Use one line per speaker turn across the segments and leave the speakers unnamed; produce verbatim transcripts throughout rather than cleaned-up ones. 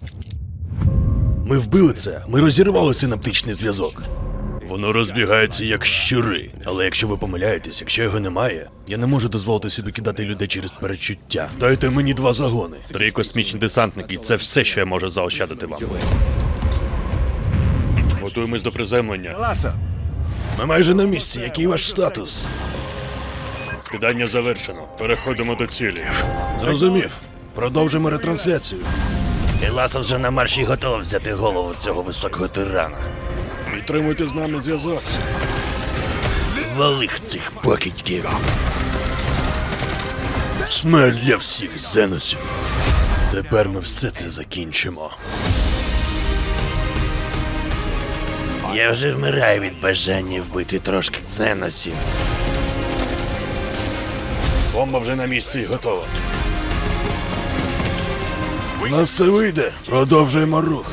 Ми вбили це, ми розірвали синаптичний зв'язок. Воно розбігається як щури. Але якщо ви помиляєтесь, якщо його немає, я не можу дозволити собі кидати людей через перечуття. Дайте мені два загони. Три космічні десантники, це все, що я можу заощадити вам. Готуємось до приземлення. Ми майже на місці, який ваш статус? Скидання завершено. Переходимо до цілі. Зрозумів. Продовжимо ретрансляцію. Еласа вже на марші готова взяти голову цього високого тирана. Підтримуйте з нами зв'язок. Валих цих покидьків. Смерть для всіх зеносів. Тепер ми все це закінчимо. Я вже вмираю від бажання вбити трошки зеносів. Бомба вже на місці і готова. У нас все вийде. Продовжуємо рух.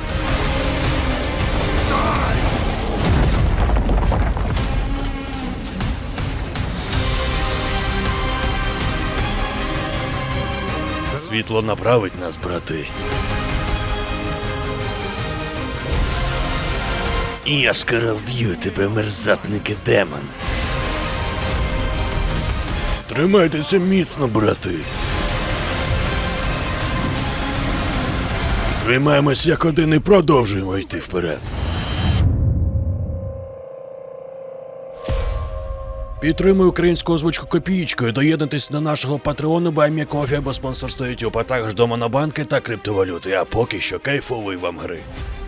Світло направить нас, брати. І я скоро вб'ю тебе, мерзатники демон. Тримайтеся міцно, брати. Тримаємось як один і продовжуємо йти вперед. Підтримуй українську озвучку копієчкою, доєднуйтесь до нашого патреону, Байміякофі або спонсорство YouTube, а також до монобанки та криптовалюти, а поки що кайфової вам гри.